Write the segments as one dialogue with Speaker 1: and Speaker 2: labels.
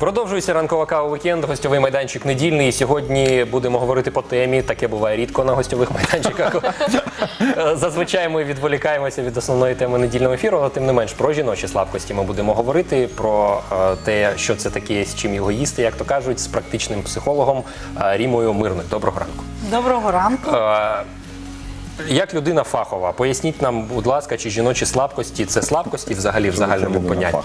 Speaker 1: Продовжується ранкова кава вікенд, гостьовий майданчик недільний. Сьогодні будемо говорити по темі, таке буває рідко на гостьових майданчиках. Зазвичай ми відволікаємося від основної теми недільного ефіру, але тим не менш про жіночі слабкості ми будемо говорити, про те, що це таке, з чим його їсти, як то кажуть, з практичним психологом Рімою Мирник. Доброго ранку.
Speaker 2: Доброго ранку.
Speaker 1: Як людина фахова, поясніть нам, будь ласка, чи жіночі слабкості – це слабкості взагалі в загальному понятті?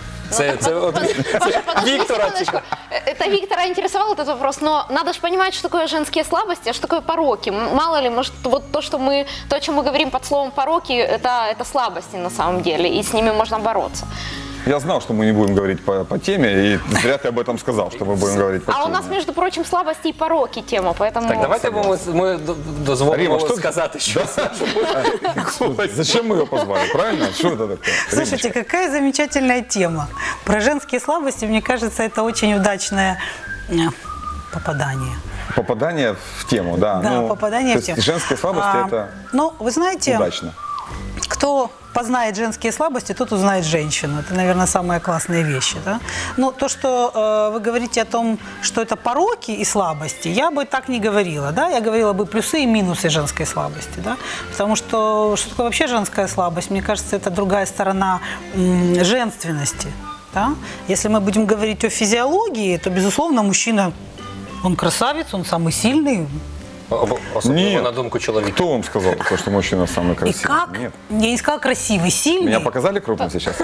Speaker 3: Виктора это Виктора интересовал этот вопрос, но надо же понимать, что такое женские слабости, а что такое пороки. Мало ли, может, вот то, о чем мы говорим под словом пороки, это слабости на самом деле, и с ними можно бороться.
Speaker 4: Я знал, что мы не будем говорить по теме, и зря ты об этом сказал, что мы будем говорить по теме.
Speaker 3: А у нас, между прочим, слабости и пороки тема, поэтому...
Speaker 1: Так, давайте мы дозволимо сказать, что...
Speaker 4: Зачем мы ее позвали, правильно? Что это такое?
Speaker 2: Слушайте, какая замечательная тема. Про женские слабости, мне кажется, это очень удачное попадание.
Speaker 4: Попадание в тему, да.
Speaker 2: Да, попадание в тему.
Speaker 4: Женские слабости это
Speaker 2: ну, вы знаете,
Speaker 4: удачно.
Speaker 2: Кто познает женские слабости, тот узнает женщину. Это, наверное, самые классные вещи. Да? Но то, что вы говорите о том, что это пороки и слабости, я бы так не говорила. Да? Я говорила бы плюсы и минусы женской слабости. Да? Потому что такое вообще женская слабость? Мне кажется, это другая сторона женственности. Да? Если мы будем говорить о физиологии, то, безусловно, мужчина, он красавец, он самый сильный.
Speaker 1: Особливо на думку чоловіка.
Speaker 4: Кто вам сказал такое, что мужчина самый красивый?
Speaker 2: И как?
Speaker 4: Нет.
Speaker 2: Я не сказала красивый, сильный.
Speaker 4: Меня показали крупно сейчас?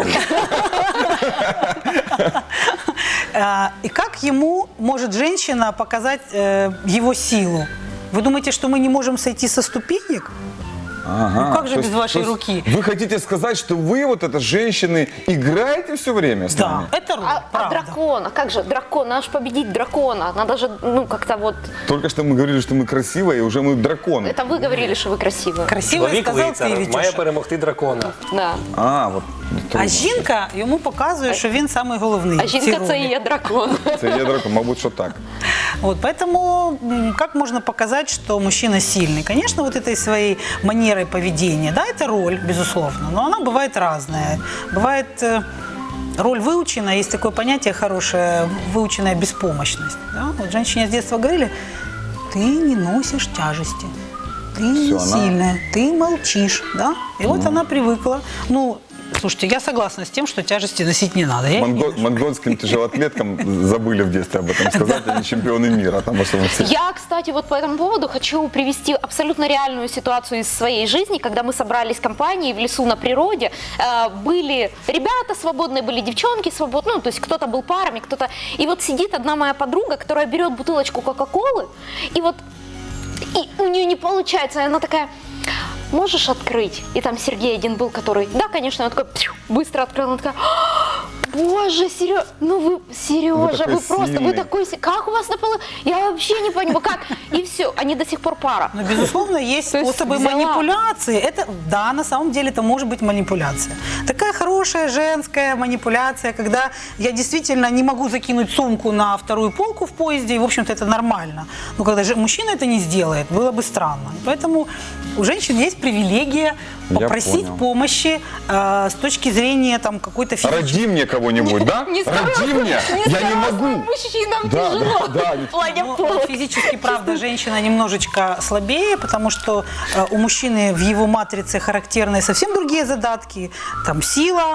Speaker 2: И как ему может женщина показать его силу? Вы думаете, что мы не можем сойти со ступенек?
Speaker 4: Ага.
Speaker 2: Ну как же без вашей руки?
Speaker 4: Вы хотите сказать, что вы, вот это, женщины, играете все время с
Speaker 2: Да,
Speaker 4: нами?
Speaker 2: это роль,
Speaker 3: А
Speaker 2: правда.
Speaker 3: дракона, как же дракон, надо же победить дракона, надо же, как-то вот...
Speaker 4: Только что мы говорили, что мы красивые, и уже мы драконы.
Speaker 3: Это вы говорили, что вы красивые.
Speaker 2: Красиво
Speaker 1: Чоловік
Speaker 2: сказав ти,
Speaker 1: лицар має
Speaker 2: Вітюша.
Speaker 1: перемогти дракона.
Speaker 3: Да.
Speaker 4: А, вот.
Speaker 2: А жінка йому показує, що він самий головний.
Speaker 3: А
Speaker 2: в цій
Speaker 3: жінка це
Speaker 2: ролі.
Speaker 3: і є дракон.
Speaker 4: Это я дракон, мабуть, что так.
Speaker 2: Вот, поэтому как можно показать, что мужчина сильный? Конечно, вот этой своей манерой поведения, да, это роль, безусловно, но она бывает разная. Бывает роль выученная, есть такое понятие хорошее, выученная беспомощность. Да? Вот женщине с детства говорили, ты не носишь тяжести, ты не
Speaker 4: она-
Speaker 2: сильная, ты молчишь, да? И вот она привыкла. Ну, слушайте, я согласна с тем, что тяжести носить не надо. Я их не ношу.
Speaker 4: Монгольским тяжелоатлеткам забыли в детстве об этом сказать, они чемпионы мира. Там особенно все.
Speaker 3: Я, кстати, вот по этому поводу хочу привести абсолютно реальную ситуацию из своей жизни, когда мы собрались в компании в лесу на природе, были ребята свободные, были девчонки свободные, ну, то есть кто-то был парами, кто-то... И вот сидит одна моя подруга, которая берет бутылочку Кока-Колы, и вот и у нее не получается, и она такая... Можешь открыть? И там Сергей один был, который... Да, конечно, он такой быстро открыл, он такой... Боже, Сережа, Сережа,
Speaker 4: такой
Speaker 3: вы просто,
Speaker 4: сильный.
Speaker 3: вы такой... Как у вас на полу? Я вообще не понимаю, как? И все, они до сих пор пара.
Speaker 2: Но, безусловно, есть
Speaker 3: То есть
Speaker 2: способы
Speaker 3: взяла.
Speaker 2: манипуляции. Это, да, на самом деле это может быть манипуляция. Такая хорошая женская манипуляция, когда я действительно не могу закинуть сумку на вторую полку в поезде, и, в общем-то, это нормально. Но когда же мужчина это не сделает, было бы странно. Поэтому у женщин есть привилегия
Speaker 4: Я
Speaker 2: попросить
Speaker 4: понял.
Speaker 2: помощи с точки зрения там, какой-то физической...
Speaker 4: Роди мне кого-нибудь, да? Роди мне! Я не могу!
Speaker 3: Мужчинам
Speaker 4: Да,
Speaker 3: тяжело
Speaker 4: да,
Speaker 3: в плане
Speaker 2: Ну,
Speaker 3: полок.
Speaker 2: физически, правда, женщина немножечко слабее, потому что у мужчины в его матрице характерны совсем другие задатки. Там сила,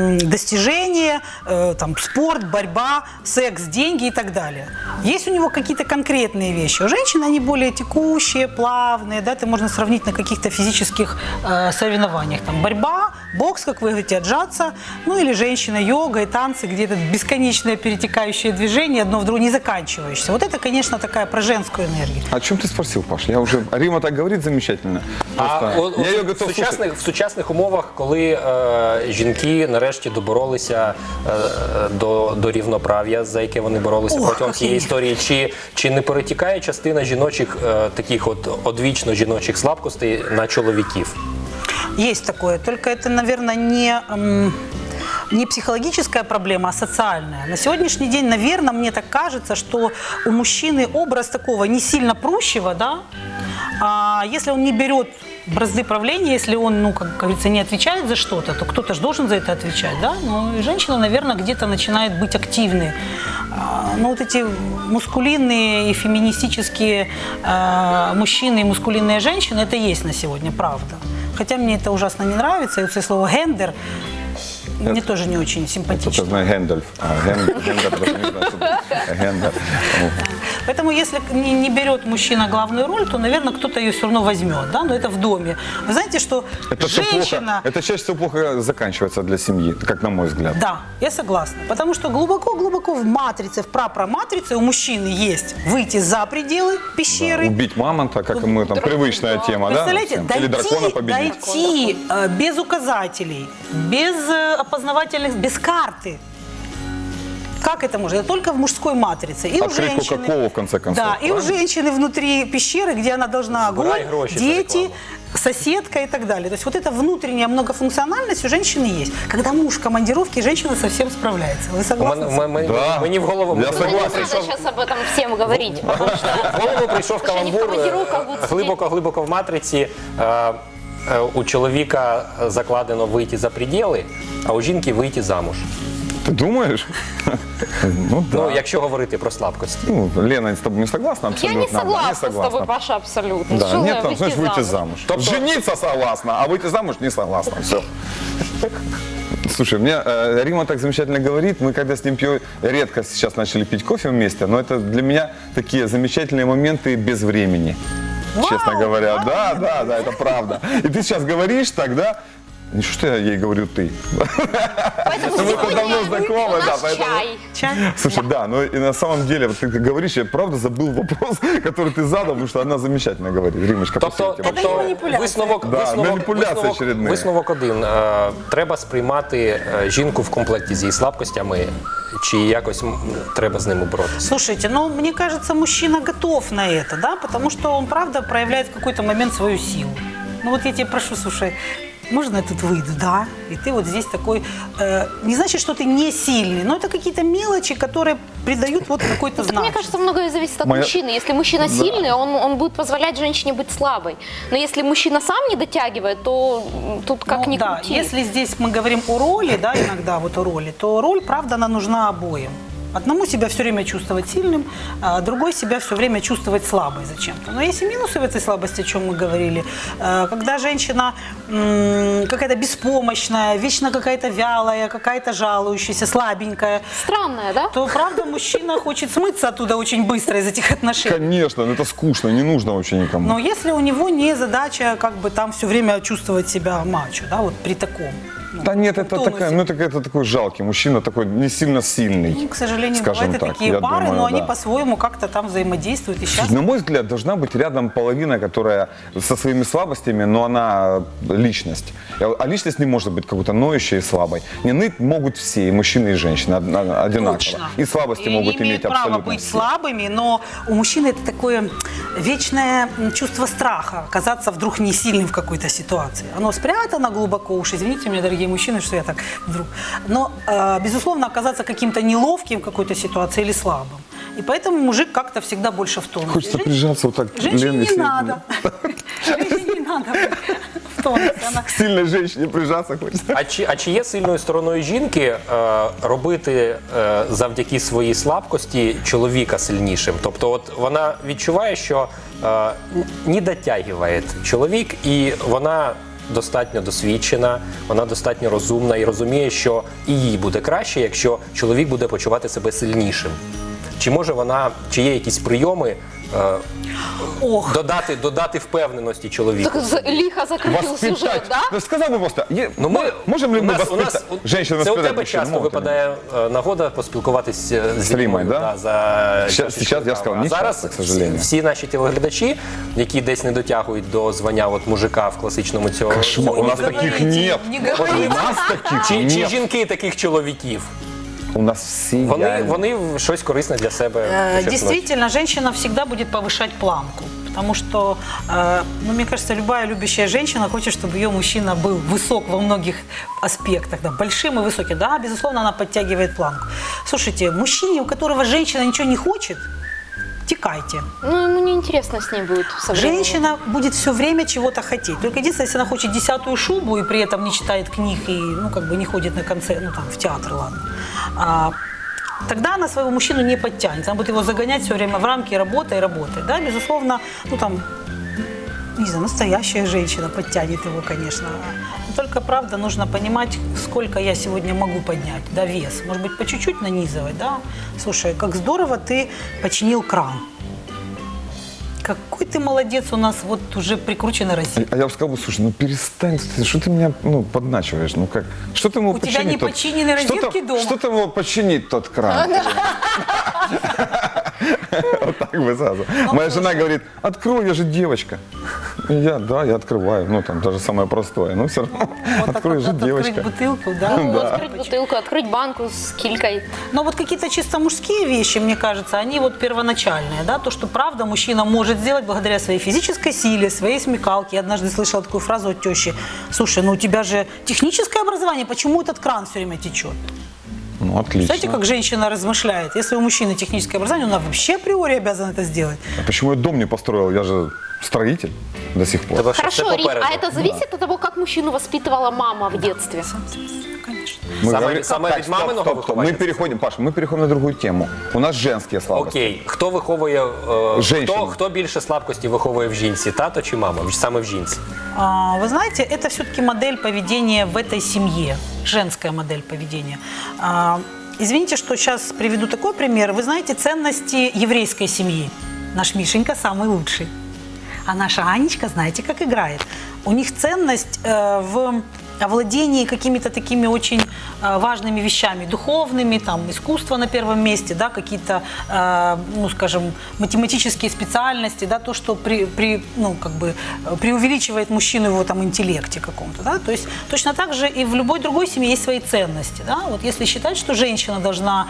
Speaker 2: достижения, там, спорт, борьба, секс, деньги и так далее. Есть у него какие-то конкретные вещи. У женщин они более текущие, плавные. Да, это можно сравнить на каких-то физических соревнованиях. Там, борьба, бокс, как вы говорите, отжаться. Ну или женщина, йога и танцы, где это бесконечное перетекающее движение, одно в другое, не заканчивающееся. Вот это, конечно, такая про женскую энергию.
Speaker 4: О чем ты спросил, Паш? Я уже... Рима так говорит замечательно. Просто я ее готов слушать.
Speaker 1: В сучасних умовах, коли жінки нарешті доборолися до рівноправ'я, за яке вони боролися протягом цієї історії, чи не перетікає частина жіночих, таких от одвічно жіночих слабкостей на чоловіків?
Speaker 2: Есть такое, только это, наверное, не психологическая проблема, а социальная. На сегодняшний день, наверное, мне так кажется, что у мужчины образ такого не сильно прущего, да, а если он не берет бразды правления, если он, ну, как говорится, не отвечает за что-то, то кто-то же должен за это отвечать, да? Ну, и женщина, наверное, где-то начинает быть активной. Ну, вот эти мускулинные и феминистические мужчины и мускулинные женщины, это есть на сегодня, правда. Хотя мне это ужасно не нравится, и вот это слово «гендер» мне тоже не очень
Speaker 4: Это
Speaker 2: симпатично.
Speaker 4: знаю Гэндальф. Гэндальф даже не знаю, что это Гэндальф.
Speaker 2: Поэтому если не берет мужчина главную роль, то, наверное, кто-то ее все равно возьмет, да, но это в доме. Вы знаете, что
Speaker 4: Это всё
Speaker 2: женщина...
Speaker 4: плохо. Это чаще всего плохо заканчивается для семьи, как на мой взгляд.
Speaker 2: Да, я согласна. Потому что глубоко-глубоко в матрице, в прапраматрице у мужчины есть выйти за пределы пещеры.
Speaker 4: Убить мамонта, как мы там, привычная тема, да?
Speaker 2: Представляете,
Speaker 4: всем? Или дракона победить.
Speaker 2: дойти без указателей, без опознавательных, без карты. Как это можно? Это только в мужской матрице. И
Speaker 4: Открыть
Speaker 2: у женщины,
Speaker 4: Кока-Колу, в конце концов,
Speaker 2: Да, и у
Speaker 4: правильно?
Speaker 2: женщины внутри пещеры, где она должна
Speaker 1: Сбирай
Speaker 2: огонь,
Speaker 1: гроши за
Speaker 2: дети,
Speaker 1: рекламу.
Speaker 2: соседка и так далее. То есть вот эта внутренняя многофункциональность у женщины есть. Когда муж в командировке, женщина совсем справляется. Вы согласны?
Speaker 4: Да.
Speaker 1: Мені в голову
Speaker 4: Я согласен.
Speaker 3: Надо сейчас об этом всем говорить, потому что
Speaker 1: В голову прийшов
Speaker 3: Слушай, они в
Speaker 1: каламбур
Speaker 3: командировках будуть сидіти.
Speaker 1: глибоко в матриці. У чоловіка закладено вийти за пределы, а у жінки вийти замуж.
Speaker 4: Ты думаешь? Ну да.
Speaker 1: Ну, якщо говорити про слабкості.
Speaker 4: Ну, Лена с тобой не согласна
Speaker 3: я
Speaker 4: абсолютно?
Speaker 3: не
Speaker 4: Да,
Speaker 3: согласна с тобой, Паша, абсолютно.
Speaker 4: Да,
Speaker 3: Что
Speaker 4: нет, там,
Speaker 3: выйти
Speaker 4: знаешь, выйти
Speaker 3: замуж?
Speaker 4: замуж.
Speaker 1: Тобто-
Speaker 4: Жениться согласна, а выйти замуж не согласна. Все. Слушай, мне Рима так замечательно говорит. Мы когда с ним пьем, редко сейчас начали пить кофе вместе, но это для меня такие замечательные моменты без времени. Честно говоря. Да, да, да, это правда. И ты сейчас говоришь тогда, не что я ей говорю ты.
Speaker 3: Поэтому
Speaker 4: Мы-то
Speaker 3: сегодня
Speaker 4: давно знакомы,
Speaker 3: у
Speaker 4: да,
Speaker 3: нас
Speaker 4: поэтому...
Speaker 3: чай.
Speaker 2: Чай?
Speaker 4: Слушай, да, но и на самом деле, вот ты говоришь, я правда забыл вопрос, который ты задал, потому что она замечательно говорит. Римочка,
Speaker 1: Тобто,
Speaker 4: спасибо тебе.
Speaker 2: Це маніпуляція.
Speaker 4: Маніпуляція очередна.
Speaker 1: Висновок один. Треба сприймати жінку в комплекті з її слабкостями, чи якось треба з ними боротися?
Speaker 2: Слушайте, ну, мне кажется, мужчина готов на это, да, потому что он, правда, проявляет в какой-то момент свою силу. Ну, вот я тебя прошу, слушай, можно я тут выйду? Да. И ты вот здесь такой, не значит, что ты не сильный, но это какие-то мелочи, которые придают вот какой-то
Speaker 3: Так,
Speaker 2: знак.
Speaker 3: мне кажется, многое зависит от
Speaker 4: Моя-
Speaker 3: мужчины. Если мужчина сильный, он будет позволять женщине быть слабой. Но если мужчина сам не дотягивает, то тут как
Speaker 2: Ну,
Speaker 3: ни
Speaker 2: да,
Speaker 3: крути.
Speaker 2: если здесь мы говорим о роли, да, иногда вот о роли, то роль, правда, она нужна обоим. Одному себя все время чувствовать сильным, а другой себя все время чувствовать слабой зачем-то. Но есть и минусы в этой слабости, о чем мы говорили. Когда женщина какая-то беспомощная, вечно какая-то вялая, какая-то жалующаяся, слабенькая,
Speaker 3: Странное, да?
Speaker 2: то, правда, мужчина хочет смыться оттуда очень быстро из этих отношений.
Speaker 4: Конечно, но это скучно, не нужно вообще никому.
Speaker 2: Но если у него не задача как бы там все время чувствовать себя мачо, да, вот при таком. ну,
Speaker 4: Да нет, это,
Speaker 2: тонусе.
Speaker 4: такая, ну, это такой жалкий мужчина, такой не сильно сильный.
Speaker 2: Ну, к сожалению,
Speaker 4: скажем
Speaker 2: бывают и
Speaker 4: так,
Speaker 2: такие
Speaker 4: я
Speaker 2: пары,
Speaker 4: думаю,
Speaker 2: но они
Speaker 4: да.
Speaker 2: по-своему как-то там взаимодействуют. И сейчас
Speaker 4: На мой взгляд, должна быть рядом половина, которая со своими слабостями, но она личность. А личность не может быть какой-то ноющей и слабой. Не ныть могут все, и мужчины, и женщины одинаково.
Speaker 2: точно.
Speaker 4: И слабости
Speaker 2: И
Speaker 4: могут
Speaker 2: они имеют
Speaker 4: иметь
Speaker 2: право
Speaker 4: абсолютно
Speaker 2: быть
Speaker 4: все.
Speaker 2: слабыми, но у мужчины это такое вечное чувство страха, оказаться вдруг не сильным в какой-то ситуации. Оно спрятано глубоко, уж извините меня, дорогие мужчины, что я так вдруг. Но, безусловно, оказаться каким-то неловким в какой-то ситуации или слабым. И поэтому мужик как-то всегда больше в тонусе.
Speaker 4: Хочется прижаться вот так к
Speaker 2: Женщине
Speaker 4: Лене
Speaker 2: не
Speaker 4: Сергеевне.
Speaker 2: надо. Женщине не надо быть в тонусе. Она
Speaker 4: К сильной женщине прижаться хочется.
Speaker 1: А чи є сильною стороною жінки робити завдяки своїй слабкості чоловіка сильнішим? Тобто, от вона відчуває, що не дотягує чоловік, і вона достатньо досвідчена, вона достатньо розумна і розуміє, що і їй буде краще, якщо чоловік буде почувати себе сильнішим. Чи може вона, чи є якісь прийоми
Speaker 2: Ох.
Speaker 1: додати впевненості чоловіку?
Speaker 3: Так лихо закрутил сюжет, да?
Speaker 4: Ну, сказал бы просто,
Speaker 1: Ми,
Speaker 4: можем ли
Speaker 1: у
Speaker 4: мы
Speaker 1: нас,
Speaker 4: воспитать, женщину
Speaker 1: це у
Speaker 4: воспитать
Speaker 1: тебе
Speaker 4: мужчин?
Speaker 1: часто
Speaker 4: Могут они?
Speaker 1: випадає нагода поспілкуватися з
Speaker 4: Римою,
Speaker 1: Римою,
Speaker 4: да?
Speaker 1: за
Speaker 4: Сейчас
Speaker 1: чашечкою
Speaker 4: я
Speaker 1: кави.
Speaker 4: сказал,
Speaker 1: А
Speaker 4: не
Speaker 1: зараз
Speaker 4: часто, к сожалению.
Speaker 1: всі наші телеглядачі, які десь не дотягують до звання от мужика в класичному цьому.
Speaker 4: Кошмар, у нас
Speaker 2: не
Speaker 4: таких
Speaker 2: говорите,
Speaker 4: нет.
Speaker 2: не
Speaker 4: У
Speaker 2: говорите.
Speaker 4: нас таких
Speaker 1: Чи
Speaker 4: нет.
Speaker 1: жінки таких чоловіків?
Speaker 4: У нас все
Speaker 1: Вони щось корисне для себе почерпнуть.
Speaker 2: Действительно, женщина всегда будет повышать планку. Потому что, ну, мне кажется, любая любящая женщина хочет, чтобы ее мужчина был высок во многих аспектах, да, большим и высоким. Да, безусловно, она подтягивает планку. Слушайте, мужчине, у которого женщина ничего не хочет, втекайте.
Speaker 3: Ну, ему неинтересно с ней будет со временем.
Speaker 2: Женщина будет все время чего-то хотеть. Только единственное, если она хочет 10-ю шубу и при этом не читает книг и, ну, как бы не ходит на концерт, ну, там, в театр, ладно. Тогда она своего мужчину не подтянет. Она будет его загонять все время в рамки работы и работы. Да, безусловно, ну, там, не знаю, настоящая женщина подтянет его, конечно. Но только, правда, нужно понимать, сколько я сегодня могу поднять, да, вес. Может быть, по чуть-чуть нанизывать, да. Слушай, как здорово ты починил кран. Какой ты молодец, у нас вот уже прикручена Россия.
Speaker 4: А я бы сказал, слушай, ну перестань, что ты меня подначиваешь, ну как? Что ты ему
Speaker 2: У тебя не починены розетки дома.
Speaker 4: Что ты ему починить тот кран? Вот так бы сразу. Моя жена говорит, открой, я же девочка. И я открываю, ну там даже самое простое, но все равно,
Speaker 2: Вот
Speaker 4: открой,
Speaker 2: так
Speaker 4: же
Speaker 2: вот
Speaker 4: девочка.
Speaker 2: открыть бутылку, да?
Speaker 3: Ну, открыть бутылку, открыть банку с килькой.
Speaker 2: Но вот какие-то чисто мужские вещи, мне кажется, они вот первоначальные, да, то, что правда мужчина может сделать благодаря своей физической силе, своей смекалке. Я однажды слышала такую фразу от тещи: слушай, ну у тебя же техническое образование, почему этот кран все время течет?
Speaker 4: Ну, отлично.
Speaker 2: Знаете, как женщина размышляет? Если у мужчины техническое образование, она вообще априори обязана это сделать.
Speaker 4: А почему я дом не построил? Я же строитель до сих пор.
Speaker 1: Тебе ще все
Speaker 3: Хорошо, Рит,
Speaker 1: попереду.
Speaker 3: а это зависит от того, как мужчину воспитывала мама в детстве?
Speaker 2: Конечно.
Speaker 4: Мы
Speaker 1: Саме-
Speaker 4: говорим-
Speaker 1: саме
Speaker 4: Так,
Speaker 1: від маминого
Speaker 4: стоп.
Speaker 1: виховання?
Speaker 4: Мы переходим, Паш, мы переходим на другую тему. У нас женские слабости.
Speaker 1: Окей, хто виховує,
Speaker 4: Женщина.
Speaker 1: хто більше слабкості виховує в жінці, тато чи мама? Саме в жінці.
Speaker 2: Вы знаете, это все-таки модель поведения в этой семье, женская модель поведения. Извините, что сейчас приведу такой пример. Вы знаете ценности еврейской семьи. Наш Мишенька самый лучший. А наша Анечка, знаете, как играет. У них ценность в овладении какими-то такими очень важными вещами, духовными, там, искусство на первом месте, да, какие-то, ну, скажем, математические специальности, да, то, что ну, как бы преувеличивает мужчину в его там интеллекте каком-то, да, то есть точно так же и в любой другой семье есть свои ценности, да, вот если считать, что женщина должна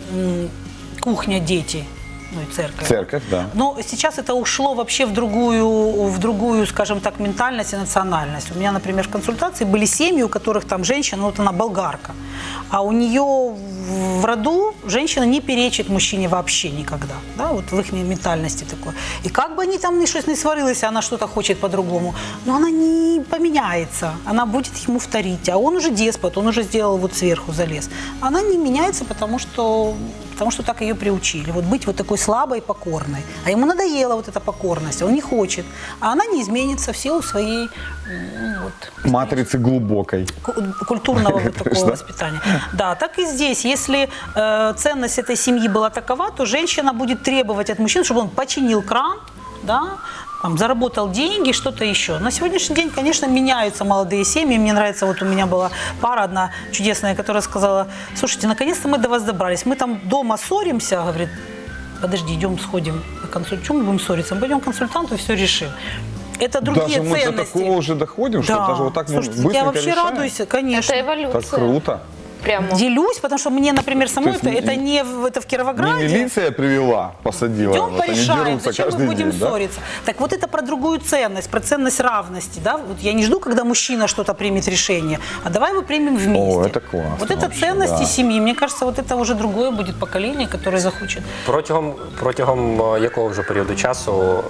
Speaker 2: кухня, дети, ну и церковь.
Speaker 4: Церковь, да.
Speaker 2: Но сейчас это ушло вообще в другую, скажем так, ментальность и национальность. У меня, например, в консультации были семьи, у которых там женщина, вот она болгарка, а у нее в роду женщина не перечит мужчине вообще никогда, да, вот в их ментальности такое. И как бы они там что-то не сварились, она что-то хочет по-другому, но она не поменяется, она будет ему вторить, а он уже деспот, он уже сделал вот сверху залез. Она не меняется, потому что так ее приучили, вот быть вот такой слабой, покорной. А ему надоела вот эта покорность, он не хочет. А она не изменится в силу своей вот,
Speaker 4: Матрицы глубокой.
Speaker 2: культурного вот такого воспитания. Да, так и здесь. Если ценность этой семьи была такова, то женщина будет требовать от мужчины, чтобы он починил кран, да, там, заработал деньги, что-то еще. На сегодняшний день, конечно, меняются молодые семьи. Мне нравится, вот у меня была пара одна чудесная, которая сказала: слушайте, наконец-то мы до вас добрались. Мы там дома ссоримся, говорит, подожди, идем сходим на консультацию. Почему мы будем ссориться? Мы пойдем к консультанту и все решим. Это другие
Speaker 4: Даже мы до
Speaker 2: ценности.
Speaker 4: такого уже доходим, что даже вот так
Speaker 2: Слушайте,
Speaker 4: быстренько
Speaker 2: я вообще
Speaker 4: решаем?
Speaker 2: радуюсь, конечно.
Speaker 3: Это эволюция.
Speaker 4: Так круто.
Speaker 3: Прямо.
Speaker 2: Делюсь, потому что мне, например, самой
Speaker 4: То есть
Speaker 2: это не это в
Speaker 4: Не
Speaker 2: Кировограде.
Speaker 4: милиция привела, посадила.
Speaker 2: Идем
Speaker 4: вот они
Speaker 2: порешаем,
Speaker 4: дерутся
Speaker 2: зачем мы
Speaker 4: каждый
Speaker 2: будем
Speaker 4: день, да?
Speaker 2: ссориться. Так вот это про другую ценность, про ценность равности. Да? Вот я не жду, когда мужчина что-то примет решение, а давай его примем вместе.
Speaker 4: О, это классно
Speaker 2: Вот это
Speaker 4: вообще,
Speaker 2: ценности
Speaker 4: да.
Speaker 2: семьи. Мне кажется, вот это уже другое будет поколение, которое захочет.
Speaker 1: Протягом якого вже періоду часу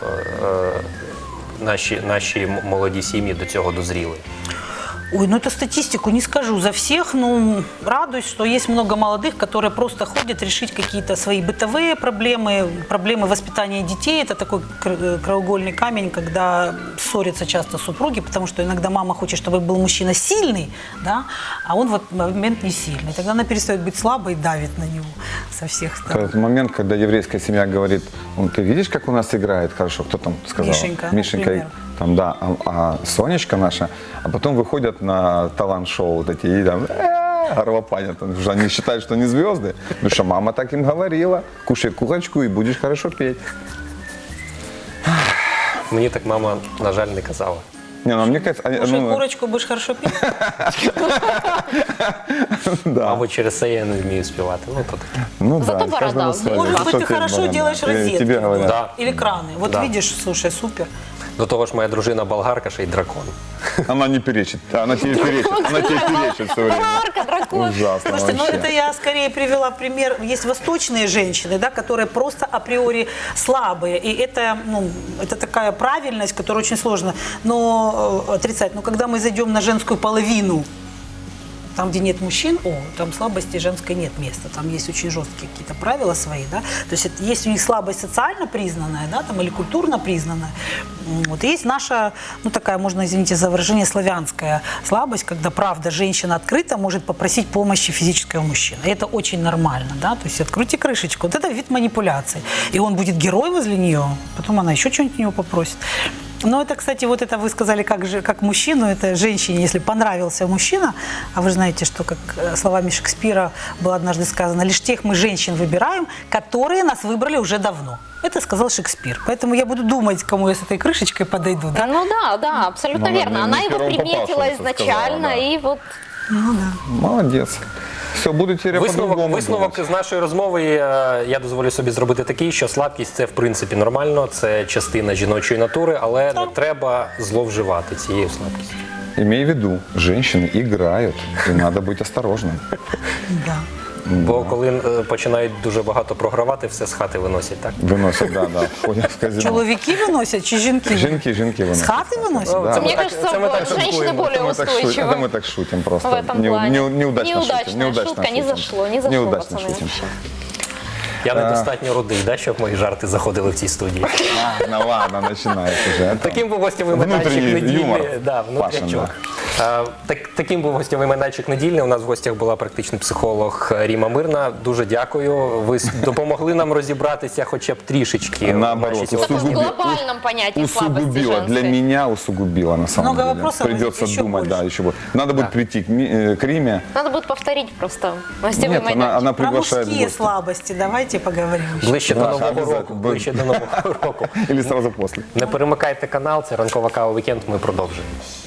Speaker 1: наші молоді сім'ї до цього дозріли?
Speaker 2: Ой, ну это статистику не скажу за всех, но радуюсь, что есть много молодых, которые просто ходят решить какие-то свои бытовые проблемы воспитания детей. Это такой краеугольный камень, когда ссорятся часто супруги, потому что иногда мама хочет, чтобы был мужчина сильный, да, а он в этот момент не сильный. Тогда она перестает быть слабой и давит на него со всех сторон.
Speaker 4: Этот момент, когда еврейская семья говорит: ты видишь, как у нас играет хорошо? Кто там сказал?
Speaker 2: Мишенька, например.
Speaker 4: Там, да, а Сонечка наша, а потом выходят на талант-шоу вот эти и там горлопанят, потому что они считают, что они звезды, потому что мама так им говорила: кушай курочку и будешь хорошо петь.
Speaker 1: Мені так мама, на жаль, не казала.
Speaker 4: Не, ну мне кажется,
Speaker 2: Кушай курочку, будешь хорошо петь.
Speaker 4: да.
Speaker 1: Мабуть, через це я не вмію співати. Ну, то таке.
Speaker 4: Ну
Speaker 3: Зато
Speaker 4: да, каждому
Speaker 3: борода.
Speaker 4: свое.
Speaker 2: Может быть,
Speaker 4: Что
Speaker 2: ты
Speaker 4: тебе
Speaker 2: хорошо
Speaker 4: борода?
Speaker 2: делаешь розетки
Speaker 4: Тебе говорят.
Speaker 1: Да.
Speaker 2: или краны. Вот
Speaker 1: Да.
Speaker 2: видишь, слушай, супер.
Speaker 1: До того ж, моя дружина болгарка, ще й дракон.
Speaker 4: Она не перечит. Она тебе перечит. Она тебе перечит все время.
Speaker 3: Болгарка, дракон.
Speaker 4: Ужасно
Speaker 2: Слушайте, ну
Speaker 4: вообще.
Speaker 2: это я скорее привела пример. Есть восточные женщины, да, которые просто априори слабые. И это, ну, это такая правильность, которую очень сложно отрицать. Но когда мы зайдем на женскую половину, там, где нет мужчин, там слабости женской нет места. Там есть очень жесткие какие-то правила свои, да. То есть есть у них слабость социально признанная, да, там, или культурно признанная. Вот. И есть наша, ну, такая, можно, извините за выражение, славянская слабость, когда, правда, женщина открыто может попросить помощи физического мужчины. И это очень нормально, да. То есть откройте крышечку. Вот это вид манипуляции. И он будет герой возле нее, потом она еще что-нибудь у него попросит. Но это, кстати, вот это вы сказали как мужчину, это женщине, если понравился мужчина, а вы знаете, что, как словами Шекспира было однажды сказано, лишь тех мы женщин выбираем, которые нас выбрали уже давно. Это сказал Шекспир. Поэтому я буду думать, кому я с этой крышечкой подойду. Да?
Speaker 3: Ну да, абсолютно
Speaker 4: Ну, она
Speaker 3: верно.
Speaker 4: не
Speaker 3: Она его
Speaker 4: первым
Speaker 3: приметила
Speaker 4: попавшимся
Speaker 3: изначально,
Speaker 4: сказала, да.
Speaker 3: и вот...
Speaker 4: Молодец. Все, буду теперь по-другому
Speaker 1: Висновок
Speaker 4: думать.
Speaker 1: з нашої розмови я дозволю собі зробити такий, що слабкість – це в принципі нормально, це частина жіночої натури, але не треба зловживати цією слабкістю.
Speaker 4: Имей в виду, женщины играют, и надо быть осторожным.
Speaker 2: Да.
Speaker 1: Бо коли починають дуже багато програвати, все з хати виносять, так?
Speaker 4: Выносят, да, входят в казино.
Speaker 2: Чоловіки виносять чи жінки?
Speaker 4: Жінки
Speaker 2: З
Speaker 4: виносят.
Speaker 2: хати виносять?
Speaker 4: Да.
Speaker 3: Мне
Speaker 1: так-
Speaker 3: кажется,
Speaker 1: это мы так
Speaker 3: женщины
Speaker 1: шуткуем.
Speaker 3: более
Speaker 4: Это
Speaker 3: устойчивы.
Speaker 4: мы так шутим просто.
Speaker 3: В этом плане.
Speaker 4: Неудачно
Speaker 3: Неудачная
Speaker 4: шутим.
Speaker 3: шутка, не зашло, не зашло,
Speaker 4: Неудачно
Speaker 3: пацаны,
Speaker 4: шутим.
Speaker 3: вообще.
Speaker 1: Я недостатньо рудий, да, щоб мої жарти заходили в цій студії.
Speaker 4: Ладно, начинается уже.
Speaker 1: Таким був гостєвий майданчик
Speaker 4: Внутренний
Speaker 1: недільний.
Speaker 4: юмор.
Speaker 1: Да, внутрячок. Таким був гостєвий майданчик недільний. У нас в гостях була практичний психолог Ріма Мирна. Дуже дякую. Ви допомогли нам розібратися хоча б трішечки. в
Speaker 4: Наоборот,
Speaker 1: нашій
Speaker 3: В таком
Speaker 4: усугубила.
Speaker 3: глобальном понятии слабости
Speaker 4: Усугубила. Для
Speaker 3: женской.
Speaker 4: меня усугубила на самом
Speaker 2: Много
Speaker 4: деле.
Speaker 2: вопросов
Speaker 4: Придется
Speaker 2: будет еще
Speaker 4: думать,
Speaker 2: больше.
Speaker 4: да, еще больше. Надо будет прийти к Риме.
Speaker 3: Надо будет повторить просто гостевой
Speaker 4: Нет,
Speaker 3: майданчик.
Speaker 4: она
Speaker 2: Про
Speaker 4: приглашает в
Speaker 2: мужские
Speaker 4: гости.
Speaker 2: слабости давайте поговорим.
Speaker 1: Ближче до
Speaker 4: Да,
Speaker 1: Нового
Speaker 4: обов'язково.
Speaker 1: року. Ближче до Нового року.
Speaker 4: Или сразу после.
Speaker 1: Не перемикайте канал, це ранкова кава вікенд. Ми продовжуємо.